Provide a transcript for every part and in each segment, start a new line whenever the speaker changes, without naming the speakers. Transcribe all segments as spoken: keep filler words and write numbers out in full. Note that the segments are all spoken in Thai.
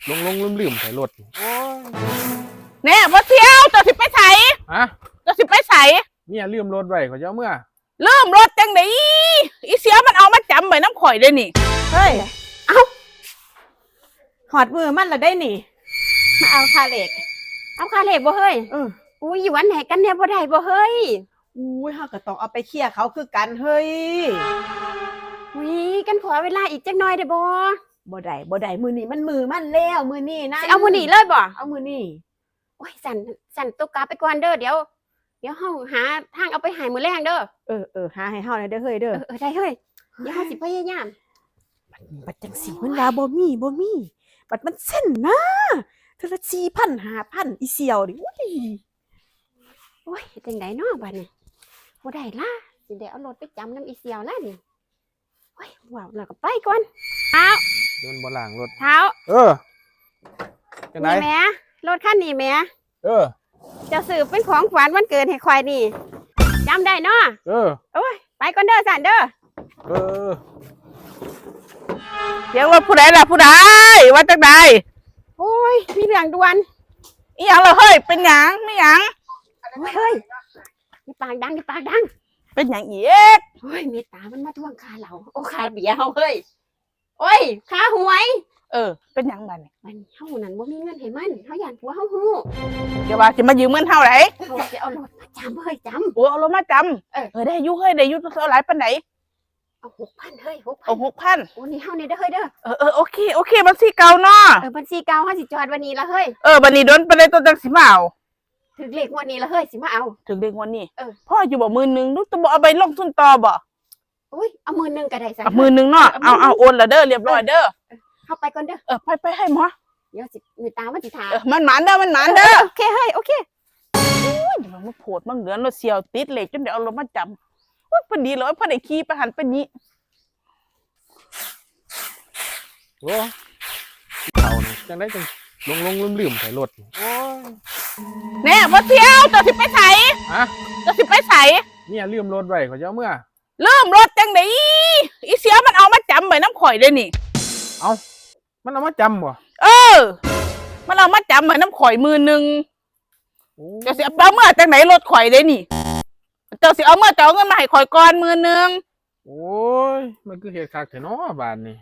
ลงลงลืมลืมใส่รถโอ้ย
แน่บ่เที่ยวจะสิไปไส
ฮะ
จะสิไปไส
เนี่ยลืมรถไว้เขาจะเอาเมื่อ
ลืมรถจังได๋อีเสียมันเอามาจำไว้น้ำข่อยได้นี่
เฮ้ยเอาหอดมือมันละได้นี่มาเอาคาเหล็ก
เอาคาเหล็กบ่เฮ้ย
เออ
อุ้ยอยู่วันไหนกันเนี่ยบ่ได้บ่เฮ้ย
อุ้ยเฮาก็ต้องเอาไปเคลียร์เขาคือกันเฮ้ย
อุ้ยกันขอเวลาอีกจักหน่อยได้บ่
บ่ได้บ่ได้มือนี้มันมือมันแล้วมือนี้นะ
สิเอามื้อนี้เลยบ่
เอามือนี้
โอ้ยสั่นสั่นตุกกาไปก่อนเด้อเดี๋ยวเดี๋ยวเฮาหาทางเอาไปให้มื้อแรงเด้อ
เออเออหาให้เฮาหน่อยเด้อเฮ้ยเด้อ
เออได้เฮ้ยเดี๋ยวเฮาสิพยายาม
บัดจังสีมันว่าบ่มีบ่มีบัดมันเส้นนะเทอละ สี่พัน ห้าพัน อีเสี่ยวดิอุ้ย
โอ้ยจังได๋เนาะบัดนี้บ่ได้ล่ะสิได้เอารถไปจำนำอีเสี่ยวแล้วนี่โอ้ยว้าวแล้วก็ไปก่อนเท้า
เดินบ่หลังรถ
เท้า
เออจังได๋
นี่แม่รถคันนี้แม่
เออ
จะซื้อเป็นของขวัญวันเกิดให้ควายนี่จำได้เนาะ
เออ
โอ้ยไปก่อนเด้อสันเด้อ
เออ
เสียงรถผู้ใดล่ะผู้ใดว่าจังได๋
โอ้ยมีเรื่องด่วน
อีหยังล่ะเฮ้ยเป็นหยังไม่หยัง
โอ้ยเฮ้ยมีปากดังมีปากดัง
เป็นหยังอีก
โอ้ยเมตตามันมาทวงค่าเราโอ้ค่าเบียร์เฮาเฮ้ยโอ้ยค่าหวย
เออเป็นหยังบัดนี้
มันเฮานั่นบ่มีเงินให้มันเฮาย่านผัวเฮาฮู้
เดี๋ยวว่าสิมายืมเงินเฮาไหน
เฮาสิเอารถมาจำเฮ้ยจำ
โอ้เอารถมาจำเออเออได้อยู่เฮ้ยได้อยู่เท่าหลายปานไหน
เอา หกพัน เฮ้ย หกพัน
เอา หกพัน
โอ้นี่เฮานี่เด้อเฮ้ยเด้อ
เออเออโอเคโอเคบัญชีเก่าเนาะ
เออบัญชีเก่าเฮาสิจอดวันนี้ละเฮ้ย
เออบัดนี้โดนไปเลยตัวจังสิมาเอา
ถึงเลขงวดนี้ละเฮ้ยสิมาเอา
ถึงเลขงวดนี้
เออ
พ่ออยู่บ่หมื่นนึงลูกจะบ่เอาไปลงทุนต่อบ่
อุ้ยเอาหมื่นนึงก็ได้ซะ
เอาหมื่นนึงเนาะเอาเอาโอนละเด้อเรียบร้อยเด้อ
เฮาไปก่อนเด้อ
เออไปไปให้หมอ
เดี๋ยวสิมีตามันสิถาม
เออมันหมานเด้อมันหมานเด้อ
โอเคเฮ้ยโอเค
โอ้ยมันมาโผดมันเหลือนรถเสียวติดเหล็กจนเดี๋ยวเอารถมาจำว่าพอดีเลยพอได้ขี่ไปหันไปนี้
โอ้เขานี่จังได้จังลงลงลืมลืมใส่รถโอ้ย
แน่บ่เที่ยวจะสิไปไส
ฮะ
จะสิไปไส
เนี่ยลืมรถไว้เขาจะเอาเมื่อ
ลืมรถจังได๋อีเสียมันเอามาจำไว้น้ำข่อยได้นี่
เอามันเอามาจำบ่
เออมันเอามาจำไว้น้ำข่อยมือนึงจะสิเอาเมื่อจังไหนรถข่อยได้นี่เจ้าสิเอาเมื่อเจ้าเงินมาให้ข่อยก่อนมือนึง
โอ้ยมันคือเหตุการณ์แท้เนาะบ้านนี่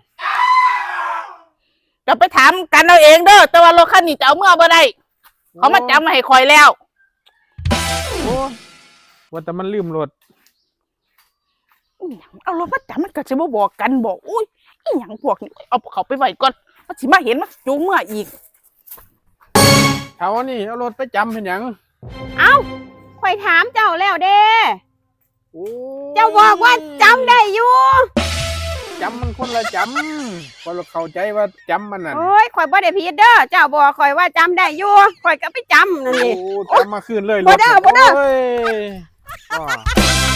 จะไปถามกันเอาเองเด้อแต่ว่ารถคันนี้จะเอาเมื่อบ่ได้เขามาจำมาให้ข่อยแล้ว
โอ้ว่าแต่มันลืมรถ
เอารถมาจำมันก็จะบ่บอกกันบอกอุ้ยอีหยังพวกนี้เอาเขาไปไว้ก่อนมันสิมาเห็นมันจูงเมื่ออีก
เอานี่เอารถไปจำเป็นหยัง
เอ้าข่อยถามเจ้าแล้วเด้เจ้าบอกว่าจำได้อยู่
จำมันคนละจำคนเราเข้าใจว่าจำมันนั่น
โอ้ยข่อยบ่ได้ผิดเด้อเจ้าบอกข่อยว่าจำได้อยู่ข่อยก็ไปจำนั่นนี่
โอ้จำมาคืนเลย
บ่ได้บ่ได้